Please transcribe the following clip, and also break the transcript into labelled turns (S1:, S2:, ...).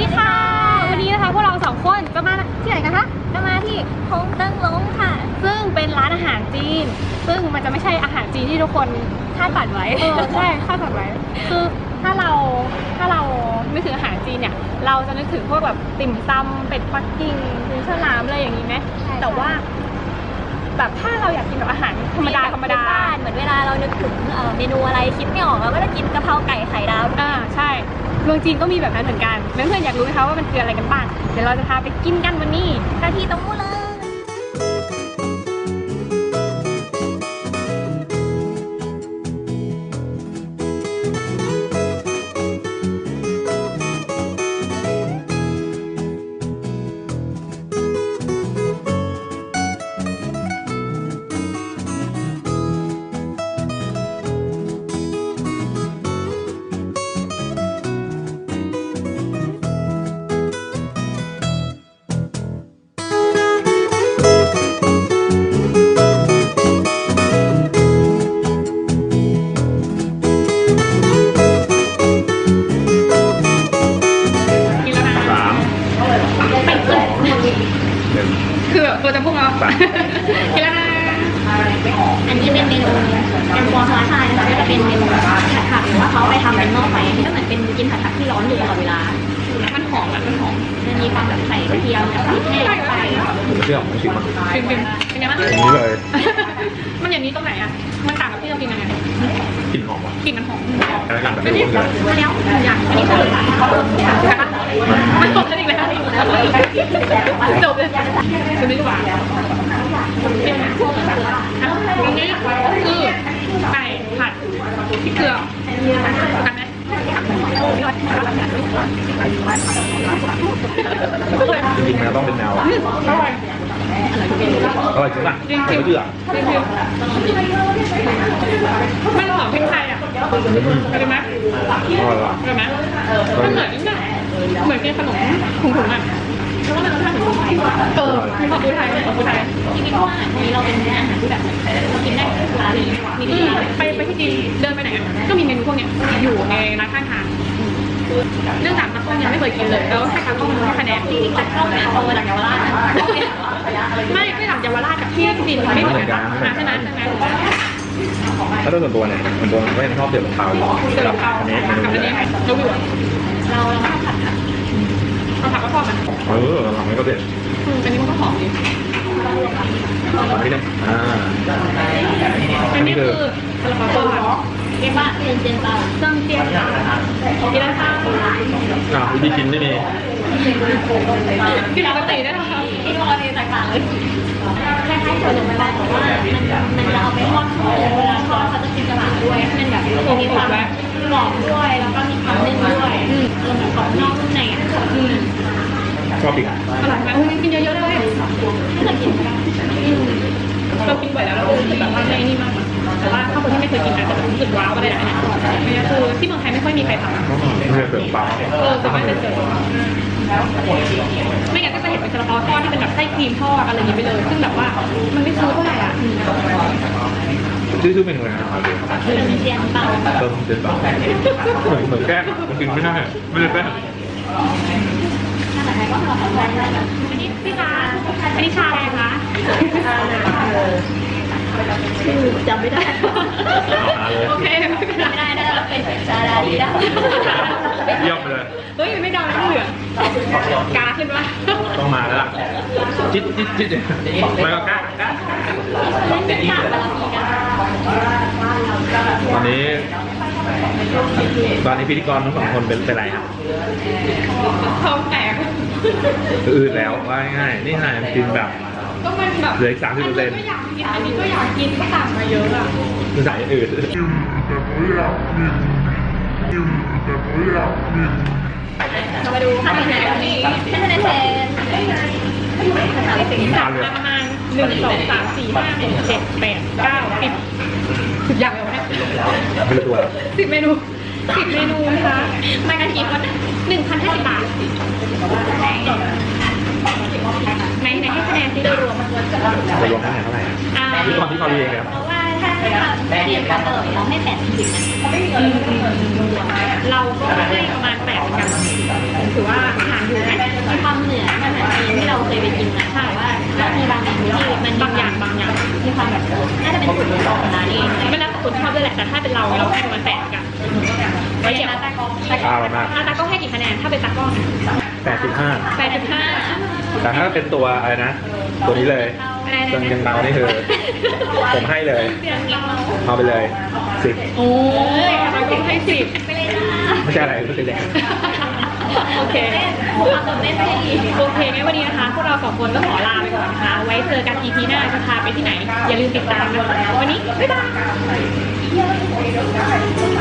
S1: ดีค่ะวันนี้นะคะพวกเราสองคนจะมาที่ไหนกันคะจะมาที่ฮงเติ้งล้งค่ะซึ่งเป็นร้านอาหารจีนซึ่งมันจะไม่ใช่อาหารจีนที่ทุกคนคาดฝันไว้ใช่คาดฝันไว้คือถ้าเรานึกถึงอาหารจีนเนี่ยเราจะนึกถึงพวกแบบติ่มซำเป็ดปักกิ่งหรือฉลามอะไรอย่างนี้ไหมแต่ว่าแบบถ้าเราอยากกินแบบอาหารธรรมดา
S2: เหมือนเวลาเรานึกถึงเมนูอะไรคิดไม่ออกเราก็จะกินกะเพราไก่ไข่ดาว
S1: ใช่เมืองจีนก็มีแบบนั้นเหมือนกันเพื่อนๆอยากรู้ไหมคะว่ามันคืออะไรกันบ้างเดี๋ยวเราจะพาไปกินกันวันนี้
S2: ที่ตรงนู้นเลย
S1: คือแบบตัวจะพุ่งเอากินแล้วนะ
S2: อันนี้เป็นเมนูแกงกวางฟ้าชายนะคะก็จะเป็นเมนูผัดหรือว่าเขาไปทำเป็นหม้อไฟที่ก็เหมือนเป็นกินผัดที่ร้อนอยู่ตลอดเวลา
S1: มันหอมมันหอม
S2: มันมีความแบบใส่กระเทียมกับพริกแห้งไป
S3: ผมไม่เชื่อผมไม่ชิมมัน
S1: เป็นไงบ้าง
S3: อย่างนี้เลย
S1: มันอย่างนี้ตรงไหนอ่ะมันต่างกับที่เรากินยังไง
S3: กลิ่นหอมว่ะ
S1: กลิ่นมันหอม
S3: อะไรกันแบบไม่รู้เลย
S2: มาแล้วอย่างอันนี้คือ
S1: มันจบกันอีกแล้วจบเลยคือไม่รู้ว่าอันนี้คือไก่ผัดพริกเกลือกันไหม
S3: จริงๆมันต้องเป็นแนวอร่อยจริงป่ะไม่เชื่อ
S1: มันหอมพริกไทยอ่ะเป็นไหมเป็นไหมมันเหมือนกินขนมถุงๆอ่ะแล้วก็มันรสชาติของไทยมีความไทย
S2: ที่คิดว่าวันนี้เราเป็นอาหารที่แบบเรากินได้ทุกร้านเลย
S1: ไปที่จีนเดินไปไหนก็มีเมนูพวกเนี้ยอยู่ในร้านข้างทางเนื่องจากตากล้องยังไม่เคยกินเลยแล้วให้ตากล้องให้คะแนน
S2: จริงๆตากล้องเนี่ยเอามาจากเยาวราช
S1: ไม่จากเยาวราชกับที่จีนไม่เหมือนกันใช่ไหม
S3: แล้วโดยส่วนตัวเนี่ยส่วนตัวไม่ชอบเดือดเปล่าอันนี้เมนูนี้
S2: เราผัด
S1: ผักก็ชอบมัน
S3: หลังนี้ก็เด็ด
S1: อันนี้มันก็หอมดี
S3: อันนี้เนี่ย
S1: อันนี้คือซาลาเปาทอด
S2: เรียกว่าเจียนเปา
S1: เครื่องเจียนกินแล้วค่ะ
S3: วิธีกินไม่มี
S1: กินปกติได้ไหมคะ
S2: กินปกติต่างๆเลยคล้ายๆส่วนหนึ่งมันแต่ว่ามันจะเอาไปทอดเวลาทอดเขาจะกินกระหล่ำด้วยมันแบบมีความกรอบด้วยแล้วก็มีความนึ่งด้วยรวมถึงกรอบนอกนุ่มในอ่ะ
S3: ชอบอีก
S1: อร่อยไหมกินเยอะๆเลย
S2: ถ้าเกิดกิน
S1: เรากินบ่อยแล้วเรารู้สึกแบบว่าไม่นี่มากแต่ว่าถ้าคนที่ไม่เคยกินอาจจะรู้สึกว้าวอะไรได้นะนี่คือที่เมืองไทยไม่ค่อยมีใครทำ
S3: ไม่เสิร์ฟเปล่า
S1: สามารถเป็นเสิร์ฟไม่งั้นก็จะเห็นเป็นซาลาเปาทอดที่เป็นแบบไส้ครีมทอดอะไรอย่างนี้ไปเลยซึ่งแบบว่ามันไม่ซื้อเท่าไหร่อ่ะ
S3: ชื่อเมนูอะไรนะครับ
S2: เจียนเปา
S3: เจียนเปาเหมือนแก้มันกินไม่ได้ไม่ได้แก้
S1: อันนี้พี่คะอันนี้ชาอะไรคะ
S2: จำไม่ได้
S1: โอเค
S2: ไม่ได้ได้เราเป็นชาดาดีได้
S3: เยี่ยมเลย
S1: เฮ้ยไม่ดำไม่เหลืองกาขึ้นวะ
S3: ต้องมาแล้วล่ะจิ๊ดไม่ก็กล้าตอนนี้พิธีกรทั้งสองคนเป็นไรครับ
S1: ท้องแตก
S3: อืดแล้วว่าง่ายนี่ไงกินแบบ
S1: ก็มันแบบ
S3: เหลืออีก30%
S1: ก็อยากกินอันนี้ก็อยากกินก็ต่างมาเยอะอ่ะ
S3: คือสายอืด
S2: เรามาดูคะแนนนี้คะแนน
S1: จับมาประมาณ1 2 3 4 5 6 7 8 9 10อย่างเลยวะเนี่ย
S3: ไม่รู้ตัว
S1: 10 เมนูนะคะมากันกี่คน1,050 บาทไหนให้คะแนนที่โดยรวม
S3: จะรวมคะแนนเท่าไหร่ที่ตอนที่เขาเรียงเลยครับ
S2: เพราะว่าถ้าเรียนกันเราให้80นะ
S1: เราก็ให้ประมาณ8เหมือนกันถือว่าผ่าน
S2: ความเหนืออาหารจีนที่เราเคยไปกินนะใช่ว่าแล้วมีบางเมนูที่มันบางอย่างมีความแบบน่าจะเป็นสูตรของร้านเองไม่แล้วแต่คนชอบด้วยแหละแต่ถ้าเป็นเราให้ประมาณ8กันไว้เก็บตากล้องตากล้องให้กี่คะแนนถ้าเป็นตากล้อง
S3: 85
S2: 8.5
S3: แต่ถ้าเป็นตัวอะไรนะ ตัวนี้เลยจนยังเมานี่คือผมให้เลยเอาไปเลย10
S2: โอ้ย
S1: ตากล้องให้10
S2: ไปเลยนะ
S3: ไม่ใช่อะไรก็คือแดง
S1: โอเค
S2: ความตื่นเต้นไม่ดี
S1: โอเคงั้นวันนี้นะคะพวกเรา2คนก็ขอลาไปก่อนนะคะ ไว้เจอกัน EP หน้าจะพาไปที่ไหน อย่าลืมติดตามนะคะวันนี้บ๊ายบาย